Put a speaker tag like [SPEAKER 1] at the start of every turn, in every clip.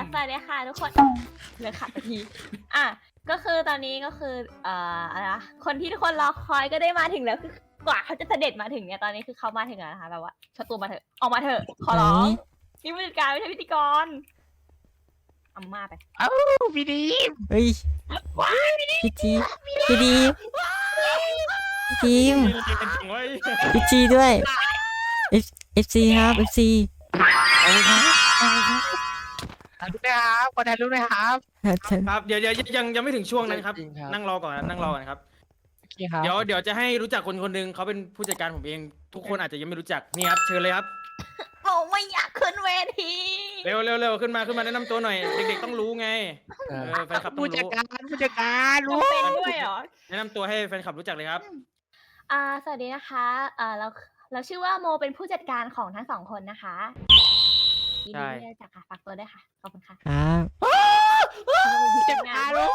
[SPEAKER 1] สวัสดีค่ะทุกคนเหลือขาดนาทีอ่ะก็คือตอนนี้ก็คืออะไรนะคนที่ทุกคนรอคอยก็ได้มาถึงแล้วคือกว่าเขาจะเสด็จมาถึงเนี่ยตอนนี้คือเขามาถึงแล้วนะคะแบบว่าชตัวมาเถอะออกมาเถอะขอร้องนี่ผู้จัดการไม่ใช่พิธีกรอาม่าไป
[SPEAKER 2] เอ้าพี่ดีม
[SPEAKER 3] เฮ้ยพี่จีพี่ดีพี่ดีมพี่จีด้วยFC ครับ FC
[SPEAKER 2] ถ่ายรูปนะครับขอถ่ายรูปนะครับ
[SPEAKER 4] ครับเดี๋ยวยังไม่ถึงช่วงนั้นครับ
[SPEAKER 2] จริงครับ
[SPEAKER 4] นั่งรอก่อนนั่งรอก่อนครับ
[SPEAKER 2] โอเคครับ
[SPEAKER 4] เดี๋ยวจะให้รู้จักคนคนหนึ่งเขาเป็นผู้จัดการผมเอง ทุกคนอาจจะยังไม่รู้จักนี่ครับเชิญเลยครับ
[SPEAKER 1] โอ้ไม่อยากขึ้นเวที
[SPEAKER 4] เร็วขึ้นมาแนะนำตัวหน่อยเด็กๆต้องรู้ไงแฟนคลับต้อง
[SPEAKER 2] ผู้จัด
[SPEAKER 4] รู้
[SPEAKER 2] การผู้จัดการรู้
[SPEAKER 1] จำเป็นด้วยเหรอ
[SPEAKER 4] แนะนำตัวให้แฟนคลับรู้จักเลยครับ
[SPEAKER 1] สวัสดีนะคะเราชื่อว่าโมเป็นผู้จัดการของทั้งสองคนนะคะยินดีที่ได้รู้จักค่ะฝากตัวด้วยค่ะขอบคุณค่ะ
[SPEAKER 3] ครับ
[SPEAKER 2] ผู้จัดการรู้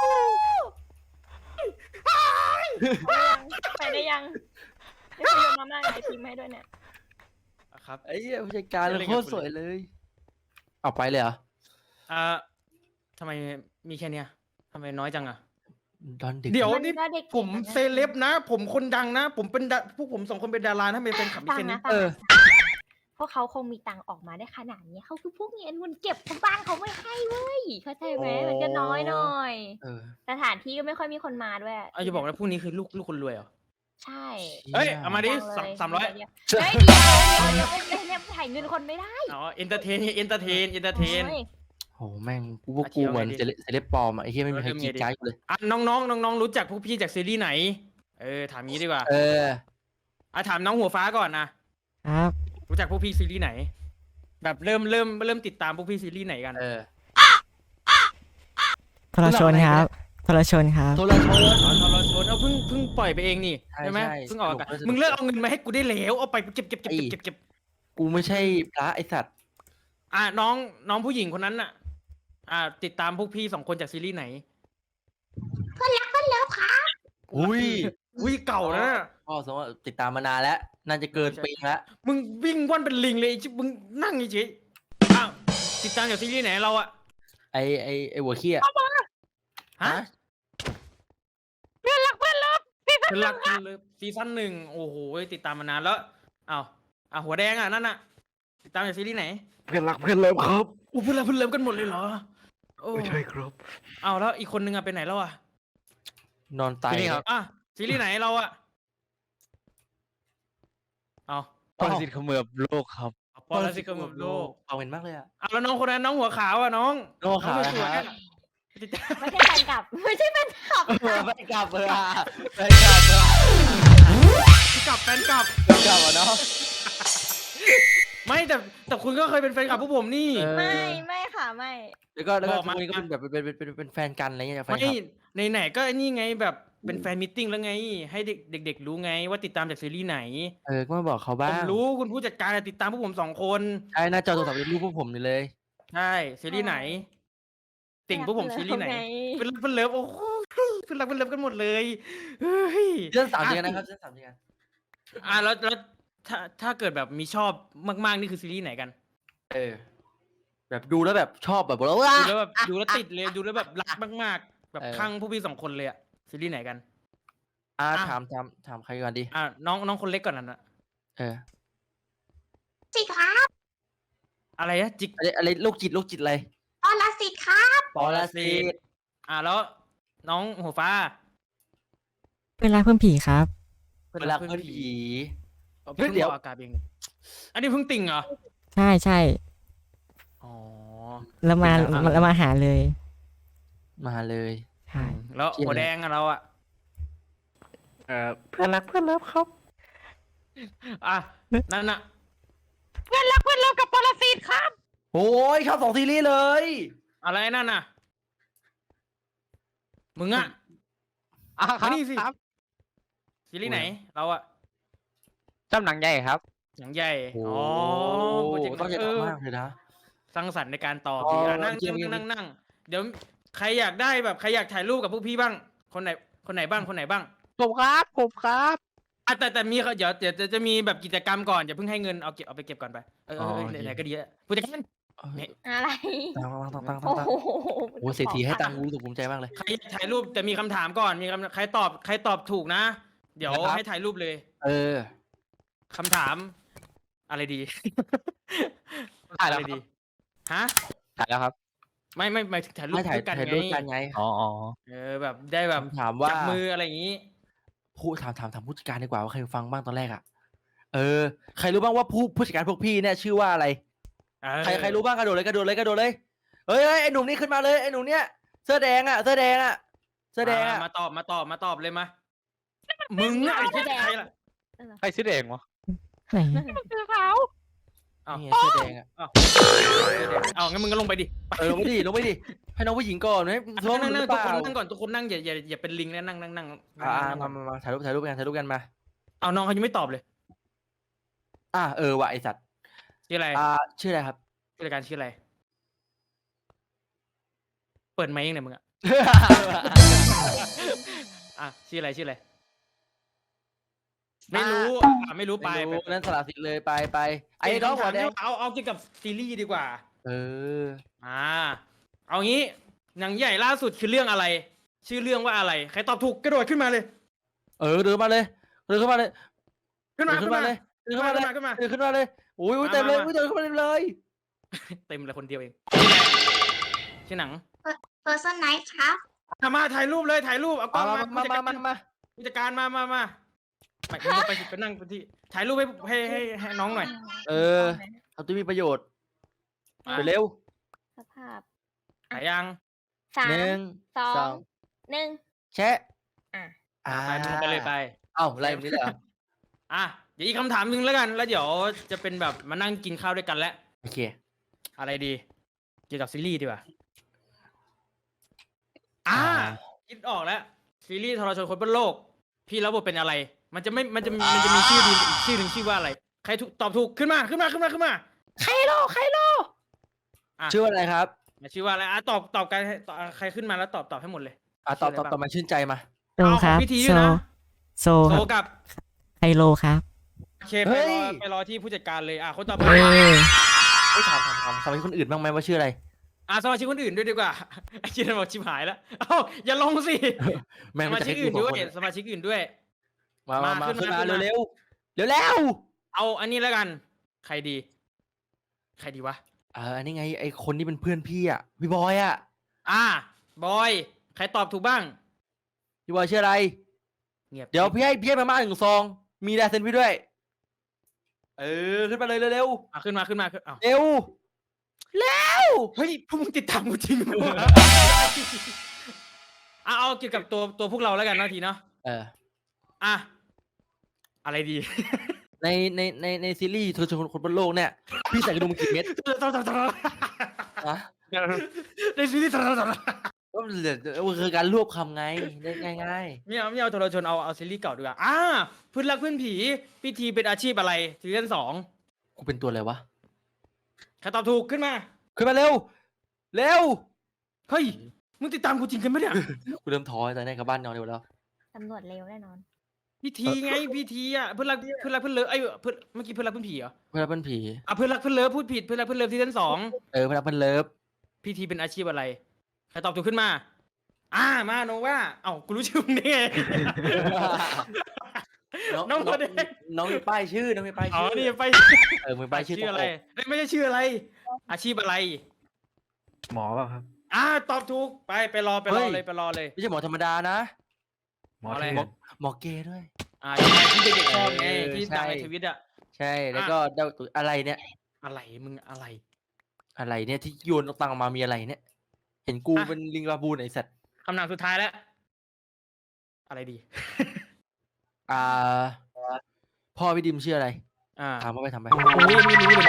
[SPEAKER 1] ไปได้ยังได้ไปโยนมาม่าไอทีมให้ด้วยเนี่ย
[SPEAKER 4] ครับ
[SPEAKER 5] ไอ้เหี้ยผู้จัดการเลยโคตรสวยเลยเอาไปเลยเหรอ
[SPEAKER 4] ทำไมมีแค่เนี้ยทำไมน้อยจังอะ
[SPEAKER 5] ดอนดึก
[SPEAKER 4] เดี๋ยว
[SPEAKER 1] มัน
[SPEAKER 4] นี่
[SPEAKER 1] ก็เด็ก
[SPEAKER 4] ผมเซเลบนะ ผมคนดังนะ ผมเป็นพวกผมสองคนเป็นดาราถ้าเป็นแฟนคลับมี
[SPEAKER 1] ตัง
[SPEAKER 4] แค่
[SPEAKER 1] ค์
[SPEAKER 4] นี้
[SPEAKER 1] นะตังค์นะพวกเขาคงมีตังค์ออกมาได้ขนาดนี้เขาคือพวกเงินมันเก็บของบ้านเขาไม่ให้เว้ยเข้าใจไหมมันก็น้อยหน่อย
[SPEAKER 5] เออ
[SPEAKER 1] สถานที่ก็ไม่ค่อยมีคนมาด้วย
[SPEAKER 4] อย่าบอกนะพรุ่งนี้คือลูกคนรวยเหรอ
[SPEAKER 1] ใช่
[SPEAKER 4] เฮ้ยเอามาดิ
[SPEAKER 1] ยังเลย
[SPEAKER 4] 300
[SPEAKER 1] เฮ้ยเดี๋ยวเนี่ยถ่ายเงินคนไม่ได้
[SPEAKER 4] อ๋อเอนเตอร์เทนโอ้ย
[SPEAKER 5] โหแม่งกูว่ากูเหมือน
[SPEAKER 4] เอาไงดิ
[SPEAKER 5] เซเลบปลอมอะไอ้เหี้ยไม่มีใคร
[SPEAKER 4] เอาไง
[SPEAKER 5] กรีด
[SPEAKER 4] ดิ
[SPEAKER 5] กรารกูเลย
[SPEAKER 4] น้องรู้จักพวกพี่จากซีรีส์ไหน ถามงี้ดีกว่า
[SPEAKER 5] เออ
[SPEAKER 4] ถามน้องหัวฟ้าก่อนนะครับ รู้จักพวกพี่ซีรีส์ไหน แบบเริ่มติดตามพวกพี่ซีรีส์ไหนกัน
[SPEAKER 5] เออ
[SPEAKER 3] ทรชนครับทรชนครับ
[SPEAKER 5] โทรชน
[SPEAKER 4] ทรชนเพิ่งปล่อยไปเองนี่
[SPEAKER 5] ใช่
[SPEAKER 4] ใช่ไหม
[SPEAKER 5] ใช่
[SPEAKER 4] เพิ่งออกอากาศ
[SPEAKER 5] สนุก
[SPEAKER 4] มึงเลิกเอาเงินมาให้กูได้แล้วเอาไปเก็บ
[SPEAKER 5] กูไม่ใช่พระไอสัตว์
[SPEAKER 4] น้องผู้หญิงคนนั้นน่ะ ติดตามพวกพี่2 คนจากซีรีส์ไหน
[SPEAKER 5] อุ้ย
[SPEAKER 4] อุ้ยเก่าแล้วนะ
[SPEAKER 5] พ่อสมมติว่าติดตามมานานแล้วน่าจะเกินปีแล้ว
[SPEAKER 4] มึงวิ่งว่อนเป็นลิงเลยมึงนั่งเฉยๆติดตามจากซีรีส์ไหนเราอะ
[SPEAKER 5] ไอหัวเขี้ย
[SPEAKER 4] ฮะ เพื่อนรักเลยซีซั่น1โอ้โหติดตามมานานแล้วหัวแดงนั่นน่ะติดตามจากซีรีส์ไหน
[SPEAKER 2] เพื่อนรักเพื่อนเลิฟครับ
[SPEAKER 4] อู้เพื่อนเลิฟกันหมดเลยเหรอโอ้
[SPEAKER 2] ไม่ใช่ครับ
[SPEAKER 4] แล้วอีกคนนึงไปไหนแล้วอะ
[SPEAKER 5] นอนตาย
[SPEAKER 2] นี่ครับ
[SPEAKER 4] ซีรีส์ไหนเราอะเอา
[SPEAKER 2] ปรสิตเขมือบโลกครับ
[SPEAKER 4] ปรสิตเขมือบโลก
[SPEAKER 5] เอาเห็นมากเลยอะ
[SPEAKER 4] แล้วน้องคนนั้นน้องหัวขาวอะน้อง
[SPEAKER 5] น้องหัวขาว
[SPEAKER 4] สวย
[SPEAKER 5] นะครับ
[SPEAKER 4] ติดตาม
[SPEAKER 1] ไม่ใช่แฟนคลับไม่ใช่แฟนคลับ
[SPEAKER 5] ไปกลับเลยอะไปกลับเลย
[SPEAKER 4] แฟนกลับ
[SPEAKER 5] ไปกลับอ่ะเนาะ
[SPEAKER 4] ไม่แต่คุณก็เคยเป็นแฟนคลับพวกผมนี่
[SPEAKER 5] เออ
[SPEAKER 1] ไม่ค่ะไม่
[SPEAKER 5] แล้วก็
[SPEAKER 4] บอก
[SPEAKER 5] ทุก
[SPEAKER 4] มา
[SPEAKER 5] วันนี้ก็เป็นแบบเป็นแฟนกันอะไรเงี้ยแฟน
[SPEAKER 4] ไม่
[SPEAKER 5] คลับ
[SPEAKER 4] ไหนก็ไอ้นี่ไงแบบเป็นแฟนมิทติ้งแล้วไง ให้เด็กๆรู้ไงว่าติดตามจากซีรีส์ไหน
[SPEAKER 5] ก็มาบอกเขา
[SPEAKER 4] ผ
[SPEAKER 5] บ้าง
[SPEAKER 4] มรู้คุณผู้จัดการติดตามพวกผม2 คน
[SPEAKER 5] ใช่หน้าจอโทรศัพท์เป็นรูปพวกผมนี่เลย
[SPEAKER 4] ใช่ซีรีส์ไหน ติ่งพวกผมซีรีส์ไหนเป็นเลิฟโอ้โหเป็นรักเป็นเลิฟกันหมดเลยเฮ้ย
[SPEAKER 5] เรื่องสามเดือนนะครับเรื่องสามเดือน
[SPEAKER 4] แล้วถ้าเกิดแบบมีชอบมากๆนี่คือซีรีส์ไหนกัน
[SPEAKER 5] แบบดูแล้วแบบชอบแบบว่า
[SPEAKER 4] ดูแล้วติดเลยดูแล้วแบบรักมากๆ แบบ
[SPEAKER 5] เออ
[SPEAKER 4] คลั่งพวกพี่2 คนเลยอะซีรีส์ไหนกัน
[SPEAKER 5] ถามใครก่อนดี
[SPEAKER 4] น้องคนเล็กก่อนนะ
[SPEAKER 1] สิครับ
[SPEAKER 4] อะไรนะจิก
[SPEAKER 5] อะไรโรคจิตอะไร
[SPEAKER 1] อลสิทธิ์ครับ
[SPEAKER 5] ปรสิต
[SPEAKER 4] แล้วน้องหัวฟ้า
[SPEAKER 3] เป็นรักเพื่อนผีครับ
[SPEAKER 5] เวลาเพื่อนผี
[SPEAKER 4] เพิ่ง
[SPEAKER 5] เดี๋ยว
[SPEAKER 4] ออกอากาศเองอันนี้เพิ่งติ่งเหรอ
[SPEAKER 3] ใช่ใช่
[SPEAKER 4] อ๋อ
[SPEAKER 3] แล้วมา
[SPEAKER 4] เป็นรัก
[SPEAKER 3] แล้วมาหาเลย
[SPEAKER 5] มาเลย
[SPEAKER 3] ใช่
[SPEAKER 4] แล้วหัวแดงอะเราอะ
[SPEAKER 2] เพื่อนรักเพื่อนเลิฟครับ
[SPEAKER 4] นั่นน่ะ
[SPEAKER 2] เพื่อนรักเพื่อนเลิฟกับปรสิตครับ
[SPEAKER 5] โอ้ยชอบ2ซีรีส์เลย
[SPEAKER 4] อะไรนั่นน่ะมึงอะ
[SPEAKER 2] ครับ
[SPEAKER 4] มานี่สิ
[SPEAKER 2] ครับ
[SPEAKER 4] ซีรีส์ไหน เราอะ
[SPEAKER 2] จำหนังใหญ่ครับ
[SPEAKER 4] หนังใหญ่
[SPEAKER 5] โอ้
[SPEAKER 4] โปรเจกต์
[SPEAKER 5] ต้องจะทำมากเลยนะ
[SPEAKER 4] สร้างสรรค์ในการตอบ
[SPEAKER 5] อ๋อ
[SPEAKER 4] ดีนั่ง
[SPEAKER 5] เยี่ยม
[SPEAKER 4] นั่งเดี๋ยวใครอยากได้แบบใครอยากถ่ายรูปกับพวกพี่บ้าง คนไหนบ้าง
[SPEAKER 2] ผมครับ
[SPEAKER 4] แต่มีเดี๋ยวจะมีแบบกิจกรรมก่อนอย่าเพิ่งให้เงินเอาไปเก็บก่อนไปไหนๆก็ดีแล้วผู้จัดการ
[SPEAKER 1] อะไร
[SPEAKER 5] ตั้ง
[SPEAKER 1] โอ้โห
[SPEAKER 5] โอ้เศรษฐีให้ตังค์กูรู้สึกภูมิใจมากเลย
[SPEAKER 4] ใครถ่ายรูปแต่มีคำถามก่อนมีคำใครตอบถูกนะ เดี๋ยว
[SPEAKER 5] ครับ
[SPEAKER 4] ให้ถ่ายรูปเลย
[SPEAKER 5] เออ
[SPEAKER 4] คำถาม อะไรดี
[SPEAKER 2] ถ่าย
[SPEAKER 4] อะ
[SPEAKER 2] แล้ว
[SPEAKER 4] ไร
[SPEAKER 2] ครั
[SPEAKER 4] ดี
[SPEAKER 2] บ
[SPEAKER 4] ฮะ
[SPEAKER 2] ถ่ายแล้วครับ
[SPEAKER 4] ไม่หมายถึงถ่ายรูป
[SPEAKER 5] ไม่ถ่าย
[SPEAKER 4] ด้วยกัน
[SPEAKER 5] ถ่าย
[SPEAKER 4] ไง
[SPEAKER 5] รูปกันไง
[SPEAKER 2] อ๋อ
[SPEAKER 4] แบบได้แบบ
[SPEAKER 5] ถามว่า
[SPEAKER 4] จับมืออะไรอย่างนี้
[SPEAKER 5] ผู้ถามผู้จัดการดีกว่าว่าใครฟังบ้างตอนแรกอ่ะใครรู้บ้างว่าผู้จัดการพวกพี่เนี่ยชื่อว่าอะไร ใครรู้บ้างกระโดดเลยเฮ้ยไอ้หนุ่มนี่ขึ้นมาเลยไอ้หนุ่มเนี่ยเสื้อแดงอ่ะ
[SPEAKER 4] มาตอบเลยมามึงอะไอ้ที่ใครล่ะ
[SPEAKER 2] ใครซื้อเองวะ
[SPEAKER 3] ไหน
[SPEAKER 4] อ้าว
[SPEAKER 5] นี่ไงเสื้อแดงอ่ะ
[SPEAKER 4] เอางั้นมึงก็ลงไปดิ
[SPEAKER 5] ลงไปดิให้น้องผู้หญิงก่อนไหมท้อง
[SPEAKER 4] นั่
[SPEAKER 5] ห
[SPEAKER 4] ง
[SPEAKER 5] รือเป
[SPEAKER 4] ทุก
[SPEAKER 5] ล่า
[SPEAKER 4] คนนั่งก่อนทุกคนนั่งอย่าเป็นลิงนะนั่ง
[SPEAKER 5] มาถ่ายรูปกันมา
[SPEAKER 4] เอาน้องเขายังไม่ตอบเลย
[SPEAKER 5] ว่ะไอสัตว์
[SPEAKER 4] ชื่ออะไร
[SPEAKER 5] ชื่ออะไรครับ
[SPEAKER 4] ผู้จัดการชื่ออะไรเปิดไมค์ยังไงมึงอะชื่ออะไรไม่รู้ไป
[SPEAKER 5] นั่นสละสิทธิ์เลยไปไอ้น้องหัวแดง
[SPEAKER 4] เอาเกี่ยวกับซีรีส์ดีกว่า
[SPEAKER 5] เออ
[SPEAKER 4] เอางี้หนังใหญ่ล่าสุดคือเรื่องอะไร ชื่อเรื่องว่าอะไรใครตอบถูกกระโดดขึ้นมาเลย
[SPEAKER 5] เดินมาเลย
[SPEAKER 4] ขึ้นมาเลย
[SPEAKER 5] เดินขึ้นมาเลยอุ้ยเต็มเลยเดินขึ้นมาเลย
[SPEAKER 4] เต็มเลยคนเดียวเองชื่อหนัง
[SPEAKER 6] Person Night ครับ
[SPEAKER 4] มาถ่ายรูปเลยถ่ายรูปเอากล้องมา
[SPEAKER 5] มา
[SPEAKER 4] ผู้จัดการมาไปนั่งที่ถ่ายรูปให้น้องหน่อย
[SPEAKER 5] เอาตัวมีประโยชน์ไปเร็ว
[SPEAKER 1] สภาพ
[SPEAKER 4] ถ่ายยัง
[SPEAKER 1] 3
[SPEAKER 5] 1
[SPEAKER 1] 2 1
[SPEAKER 5] แชะ
[SPEAKER 4] ไปมึงไปเลยไป
[SPEAKER 5] เอ้าอะไรแบบนี้เลยเหรอ
[SPEAKER 4] เดี๋ยวอีกคำถามหนึงแล้วกัน แล้วเดี๋ยวจะเป็นแบบมานั่งกินข้าวด้วยกันแล้ว
[SPEAKER 5] โอเค
[SPEAKER 4] อะไรดี เกี่ยวกับซีรีส์ดีกว่าคิดออกแล้ว ซีรีส์ทรชนคนบนโลก พี่รับบทเป็นอะไร มันจะมีชื่อดีอีกชื่อหนึ่งชื่อว่าอะไร ใครตอบถูกขึ้นมาใครโล
[SPEAKER 5] ชื่อว่าอะไรครับ
[SPEAKER 4] ชื่อว่าอะไรตอบกันใครขึ้นมาแล้วตอบให้หมดเลย
[SPEAKER 5] ตอบมาชื่นใจมา
[SPEAKER 3] โซครับ
[SPEAKER 4] พิธี
[SPEAKER 3] โซ
[SPEAKER 4] นะ
[SPEAKER 3] โซ
[SPEAKER 4] โซ
[SPEAKER 3] ครับ
[SPEAKER 4] กับ
[SPEAKER 3] ไฮโลครับ
[SPEAKER 4] โอเค
[SPEAKER 5] เฮ้ย
[SPEAKER 4] ไปรอที่ผู้จัดการเลยคนต่อไป
[SPEAKER 3] เอ้ย
[SPEAKER 5] ถามสมัยคนอื่นบ้างไหมว่าชื่ออะไร
[SPEAKER 4] สมาชิกคนอื่นด้วยดีกว่า ไอ้เจนบอกชิบหายแล้วอย่าลงสิ
[SPEAKER 5] แม่ง
[SPEAKER 4] ส
[SPEAKER 5] มัน
[SPEAKER 4] มา
[SPEAKER 5] จะ
[SPEAKER 4] ชิ
[SPEAKER 5] ให้
[SPEAKER 4] ก
[SPEAKER 5] กู
[SPEAKER 4] อื่น
[SPEAKER 5] สอง
[SPEAKER 4] ด้วย
[SPEAKER 5] คน
[SPEAKER 4] สมาชิกอื่นด้วย
[SPEAKER 5] มา
[SPEAKER 4] ขึ้นมา
[SPEAKER 5] เร็ว
[SPEAKER 4] เอาอันนี้แล้วกัน ใครดีวะ
[SPEAKER 5] อันนี้ไงไอคนที่เป็นเพื่อนพี่อ่ะพี่บอยอ่ะ
[SPEAKER 4] บอยใครตอบถูกบ้าง
[SPEAKER 5] พี่บอยชื่ออะไร
[SPEAKER 4] เงียบ
[SPEAKER 5] เดี๋ยวพี่ให้มาม่า1 ซองมีลายเซ็นพี่ด้วย ขึ้นมาเลยเร็ว
[SPEAKER 4] ขึ้นมาเอา
[SPEAKER 5] เร็ว
[SPEAKER 4] เฮ้ยพวกมึงติดตามกูจริงเหรอเอาเกี่ยวกับตัวพวกเราแล้วกันเนาะทีเนาะอะไรดี
[SPEAKER 5] ในซีรีส์เธอชวนคนบนโลกเนี่ยพี่ใส่กระดุมกี่เม็ดนะ
[SPEAKER 4] ในซีรีส์
[SPEAKER 5] ก็มันคือการรวบคำไงง่าย
[SPEAKER 4] ไม่เอาโทรชนเอาซีรีส์เก่าดีกว่าเพื่อนรักเพื่อนผีพิธีเป็นอาชีพอะไรซีซั่น2
[SPEAKER 5] ๆกูเป็นตัวอะไรวะ
[SPEAKER 4] ใครตอบถูกขึ้นมา
[SPEAKER 5] เร็ว
[SPEAKER 4] เฮ้ยมึงติดตามกูจริงกันไหมเนี่ย
[SPEAKER 5] กูเริ่มท้อแต่ในกลับบ้านนอนเร็วแล้ว
[SPEAKER 1] ตำรวจเร็วแน่นอน
[SPEAKER 4] พิธีไงพิธีเพื่อนรักเพื่อนเลิฟเมื่อกี้เพื่อนรักเพื่อนผีเหรอ
[SPEAKER 5] เพื่อนเป็นผี
[SPEAKER 4] เพื่อนรักเพื่อนเลิฟพูดผิดเพื่อนรักเพื่อนเลิฟซีซั่น2
[SPEAKER 5] เพื่อนเป็นเลิฟ
[SPEAKER 4] พิธีเป็นอาชีพอะไรใครตอบถูกขึ้นมามาโนว่ากูรู้ชื่อมึงได้ไง น้องตัวแดง
[SPEAKER 5] น้องมีป้ายชื่อนี่ไป
[SPEAKER 4] มีป้าย
[SPEAKER 5] ชื่อ
[SPEAKER 4] ชื่ออะไรไม่ใช่ชื่ออะไร อาชีพอะไร
[SPEAKER 5] หมอเปล่าครับ
[SPEAKER 4] ตอบถูกไปรอเลย
[SPEAKER 5] ไม่ใช่หมอธรรมดานะ
[SPEAKER 4] หมออะไร
[SPEAKER 5] หมอเกย์ด้วย
[SPEAKER 4] ที่เด็กๆชอบไงที่ดังในทวิต
[SPEAKER 5] ใช่แล้วก็อะไรเนี่ย
[SPEAKER 4] อะไรมึงอะไร
[SPEAKER 5] อะไรเนี่ยที่โยนตังมามีอะไรเนี่ย เห็นกูเป็นลิงบาบูนไอสัตว์
[SPEAKER 4] คำนามสุดท้ายแล้ว อะไรดี
[SPEAKER 5] พ่อพี่ดิมชื่ออะไร ถามว่าไปทำไป
[SPEAKER 4] โอ้ยไม่รู้เลย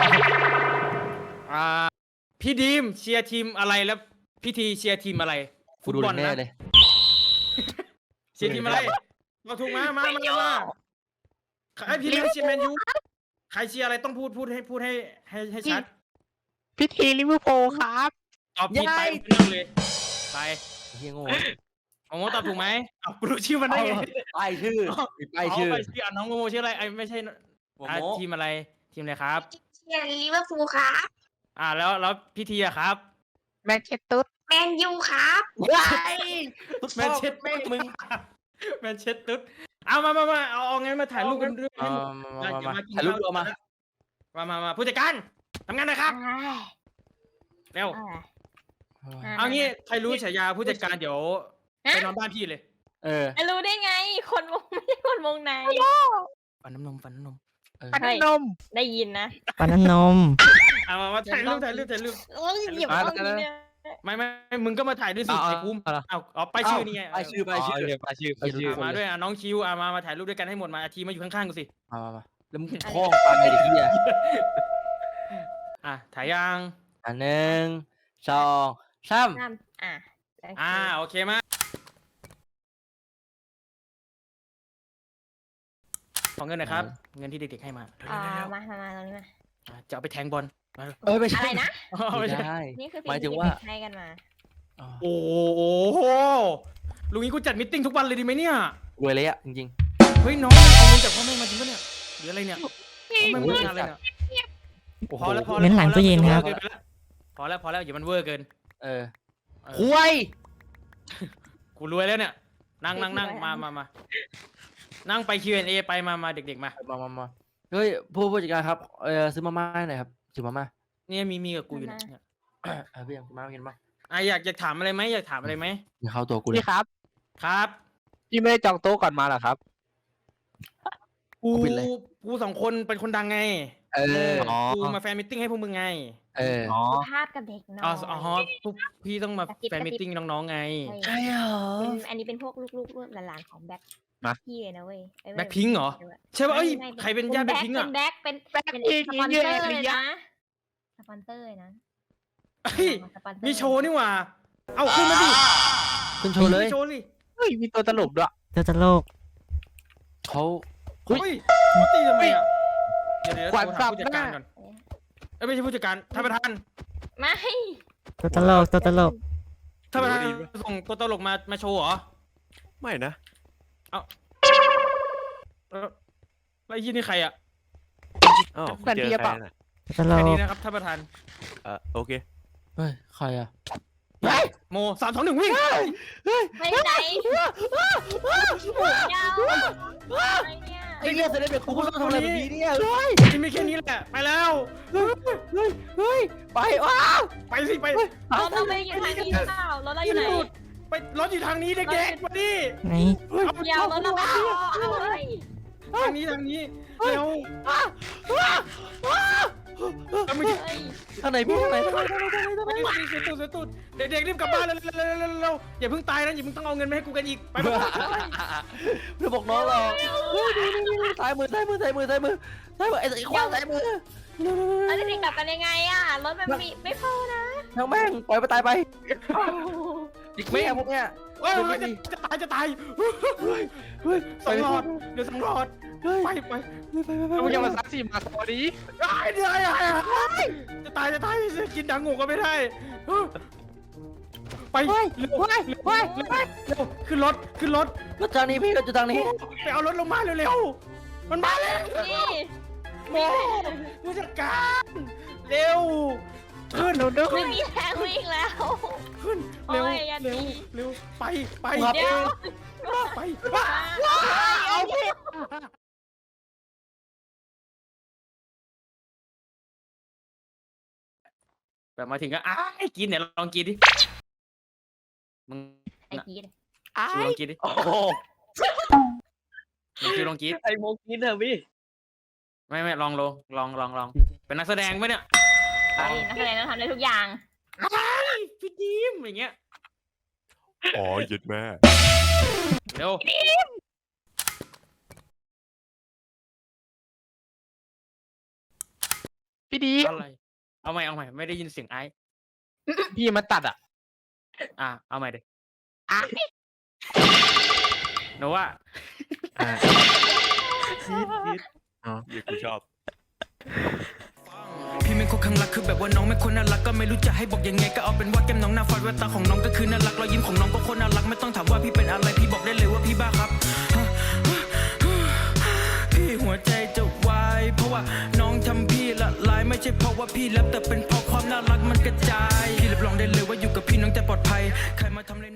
[SPEAKER 4] พี่ดีมเชียร์ทีมอะไรแล้วพิธีเชียร์ทีมอะไร
[SPEAKER 5] ฟุตบอลแน่เลย
[SPEAKER 4] เชียร์ทีมอะไรมาถูกมาไอพี่ดีมเชียร์แมนยูใครเชียร์อะไรต้องพูดให้ชัด
[SPEAKER 2] พิธีลิเวอร์พูลครับ
[SPEAKER 4] ตอบผิดไปนั่งเลยไป
[SPEAKER 5] เฮียโง่
[SPEAKER 4] โง่ตอบถูกไหมกูรู้ชื่อมันได้ไง
[SPEAKER 5] ป้ายชื่อมีป้ายชื่อ
[SPEAKER 4] ไปชื่อน้องโง่ชื่ออะไรไม่ใช่ทีมอะไรครับ
[SPEAKER 6] เชียร์ลิเวอร์พูลครับ
[SPEAKER 4] แล้วพี่ทีอะครับ
[SPEAKER 2] แมนเชสตุ๊ด
[SPEAKER 6] แมนยูครับ
[SPEAKER 4] แมนเชสแม่งมึงแมนเชสตุ๊ดเอามาเอางั้นมาถ่ายรูปกันด้วย
[SPEAKER 5] มาถ่ายรูปรวมมา
[SPEAKER 4] มาผู้จัดการทำงานหนะครับเร็วเอางี้ใครรู้ฉายาผู้จัดการเดี๋ยวไปนอนบ้านพี่เลย
[SPEAKER 1] รู้ได้ไง คนวงไม่ใช่คนวงใน
[SPEAKER 4] ฟันน้ำนม
[SPEAKER 2] ปัน
[SPEAKER 1] เฮ้
[SPEAKER 2] น
[SPEAKER 1] ย
[SPEAKER 2] ม
[SPEAKER 1] ได้ยินนะ
[SPEAKER 3] ปาน้ำนม
[SPEAKER 4] เอามาถ่ายรูป
[SPEAKER 1] โอ้ยเหยียบ
[SPEAKER 2] มา
[SPEAKER 1] เอาอย่างนี้เนี่ย
[SPEAKER 4] ไม่มึงก็มาถ่ายด้วยสิไอ้ภูมิเอาไปชื่อนี่ไง
[SPEAKER 5] ไปชื่อ
[SPEAKER 2] ไปชื่อ
[SPEAKER 4] มาด้วยน้องคิวมาถ่ายรูปด้วยกันให้หมดมาอาทีมาอยู่ข้างๆกูสิ
[SPEAKER 5] มาแล้วมึงคล้องไปไอ้เหี้ย
[SPEAKER 4] ถ่ายยัง
[SPEAKER 5] 1 2 3
[SPEAKER 1] น้ำ
[SPEAKER 4] โอเคมาขอเงินหน่อยครับ เงินที่เด็กๆให้มา
[SPEAKER 1] มาตรงนี้มา
[SPEAKER 4] จะเอาไปแทงบอลมา
[SPEAKER 5] ไม่ใช่
[SPEAKER 1] อะไรนะ
[SPEAKER 5] ไม่ใช่
[SPEAKER 1] นี่คือ
[SPEAKER 5] หมายถึ
[SPEAKER 1] สิ่
[SPEAKER 5] ง
[SPEAKER 1] ง
[SPEAKER 5] ว่า
[SPEAKER 1] ที่ให้กันมา
[SPEAKER 4] โอ้โหลุงนี้กูจัดมิทติ้งทุกวันเลยดีไหมเนี่ย
[SPEAKER 5] รวยเลยอะจริง
[SPEAKER 4] เฮ้ยน้องเอาเงินจากพ่อแม่มาจริงปะเนี่ยหรืออะไรเนี่ยพ่อแม่มาอะไรเนี่ย
[SPEAKER 5] ๆ
[SPEAKER 4] พอแล้ว
[SPEAKER 3] เน้นหลังตู้เย็นครับ
[SPEAKER 4] พอแล้วอย่ามันเวอร์เกิน
[SPEAKER 5] คุย
[SPEAKER 4] กูรวยแล้วเนี่ยนั่งมานั่งไป Q&A ไปมาเด็กๆมา
[SPEAKER 5] มาเฮ้ยผู้จัดการครับซื้อมาม่าหน่อยครับซื้อมาม่า
[SPEAKER 4] เนี่ยมีกับกูอยู่เนี่ย
[SPEAKER 5] พี่ยังมากินบ้าง
[SPEAKER 4] อยากถามอะไรไหมอยากถามอะไรไหม
[SPEAKER 5] อย่าเข้าตัวกูเลย
[SPEAKER 2] พี่ครับ
[SPEAKER 4] ครับ
[SPEAKER 2] พี่ไม่ได้จองโต๊ะก่อนมาเหรอครับ
[SPEAKER 4] กูสองคนเป็นคนดังไง กูมาแฟนมิทติ้งให้พวกมึงไง
[SPEAKER 2] อ๋อ
[SPEAKER 1] ภาพกับเด็กน้อย
[SPEAKER 4] อ๋อพวกพี่ต้องมาแฟนมิทติ้งน้องๆไง
[SPEAKER 5] ใช่เหรอ
[SPEAKER 1] อันนี้เป็นพวกลูกๆหลานๆของแบ็คพี่เลยนะเว้ย
[SPEAKER 4] แบ็คพิงเหรอใช่ป่ะเอ้ยใครเป็นญาติแบ็คพิงอ่ะ
[SPEAKER 1] เป็นแบ็คเป็นสปอนเซอร์เลยนะสปอนเซอร์เลยนะ
[SPEAKER 4] เฮ้ยมีโชว์นี่หว่าเอาขึ้นมาดิ
[SPEAKER 5] ขึ้นโชว์เลย
[SPEAKER 4] โชว์สิ
[SPEAKER 2] เฮ้ยมีตัวตลกด้วย
[SPEAKER 3] เจ้าตลก
[SPEAKER 5] เขา
[SPEAKER 4] เฮ้ยเขาตีทำไมอ่ะเดี๋ยว
[SPEAKER 2] ขวัญ
[SPEAKER 4] โทรหาผู้จัดการ
[SPEAKER 2] สับหน้า
[SPEAKER 4] ก่อนไม่ใช่ผู้จัดการท่านประธาน
[SPEAKER 1] ไม่
[SPEAKER 3] ตัวตลก ตัวตลก
[SPEAKER 4] ท่านประธานส่งตัวตลกมาโชว์เหรอ
[SPEAKER 7] ไม่นะ
[SPEAKER 4] แล้วไอ้ยี่นี่ใครอ่ะ
[SPEAKER 7] อ้าว
[SPEAKER 2] แฟนพี่
[SPEAKER 7] เจอ
[SPEAKER 2] เปล่า
[SPEAKER 7] ใครน่ะ
[SPEAKER 3] ตัวตล
[SPEAKER 4] แค่นี้
[SPEAKER 3] ก
[SPEAKER 4] นะครับท่านประธาน
[SPEAKER 7] โอเค
[SPEAKER 5] เฮ้ยใครอะ
[SPEAKER 4] โม3 2 1วิ่ง
[SPEAKER 1] ไม่ไหนยาวอะไรเนี่ย
[SPEAKER 5] ไอ้เหี้ยเสด็จเด็กกูต้องทำอะไรแบบนี้เนี่ย
[SPEAKER 4] จะมีแค่นี้แหละไปแล้ว
[SPEAKER 5] เฮ้ยไปว้า
[SPEAKER 4] ไปสิไป
[SPEAKER 1] รถเราไม่ได้อยู่ทางนี้หรือเปล่ารถเราอยู่ไหน
[SPEAKER 4] ไปรถอยู่ทางนี้เด็กๆมาดิ
[SPEAKER 3] ไหน
[SPEAKER 1] ยาวรถเราไม่พอเอาเลย
[SPEAKER 4] ทางนี้เร็วเอาไม่
[SPEAKER 1] เฮ้ย
[SPEAKER 5] ทางไหนพี่ทางไหน
[SPEAKER 4] สุดเด็กๆรีบกลับบ้านเร็วอย่าเพิ่งตายนะอย่าเพิ่งต้องเอาเงินมาให้กูกันอีกไป
[SPEAKER 5] เพื่อบอกน้องเราซ้ายมือไอ้ขวาซ้ายมือ
[SPEAKER 1] แล้วจะกลับกันยังไงอ่ะรถมันไม่พอนะ
[SPEAKER 5] ทั้งแม่งปล่อยไปตายไปอีกแม่พวกเนี้ย
[SPEAKER 4] จะตายสองหลอดเดี๋ยว2 หลอดไป
[SPEAKER 2] มึงยังมาซักซี่มาสวัสดี
[SPEAKER 4] เดี๋ยวจะตายกินดังงูก็ไม่ได้ไปเร็วขึ้นรถ
[SPEAKER 5] รถทางนี้พี่รถอยู่ทางนี้
[SPEAKER 4] ไปเอารถลงมาเร็วมันมาแล้ว
[SPEAKER 1] นี่
[SPEAKER 4] โมผู้จัดการเร็วขึ้น
[SPEAKER 1] ไม่มีแรงวิ่งแล้ว
[SPEAKER 4] ขึ้นเร็วไป
[SPEAKER 1] เดี๋ยว
[SPEAKER 4] ไป
[SPEAKER 1] เอาพี่
[SPEAKER 4] แบบมาถึงก็กินเนี่ยลองกินดิมึง
[SPEAKER 1] ไอ้กีด
[SPEAKER 4] ลองกินดิ
[SPEAKER 5] โอ้โห
[SPEAKER 4] มึงลองกิน
[SPEAKER 5] ไอโมกินเถอะพี่
[SPEAKER 4] ไม่ลองเป็นนักแสดงไหมเนี่ย
[SPEAKER 1] นักแสดงต้องทำได้ทุกอย่าง
[SPEAKER 4] พี่ดิมอย่างเงี้ย
[SPEAKER 7] อ๋อหยุดแม่
[SPEAKER 4] เร็ว
[SPEAKER 2] พี่ดี
[SPEAKER 4] อะไรเอาใหม่ไม่ได้ยินเสียงไอ้
[SPEAKER 2] พี่มาตัดอ่ะ
[SPEAKER 4] เอาใหม่ดิหนูว่า
[SPEAKER 7] อย่ากูชอบ
[SPEAKER 8] พี่เป็นคนข้างรักคือแบบว่าน้องไม่คนน่ารักก็ไม่รู้จะให้บอกยังไงก็เอาเป็นว่าแก้มน้องหน้าฟาดแววตาของน้องก็คือน่ารักรอยยิ้มของน้องก็คนน่ารักไม่ต้องถามว่าพี่เป็นอะไรพี่บอกได้เลยว่าพี่บ้าครับพี่หัวใจจะวายเพราะว่าน้องทำพี่ละลายไม่ใช่เพราะว่าพี่แรปแต่เป็นเพราะความน่ารักมันกระจาย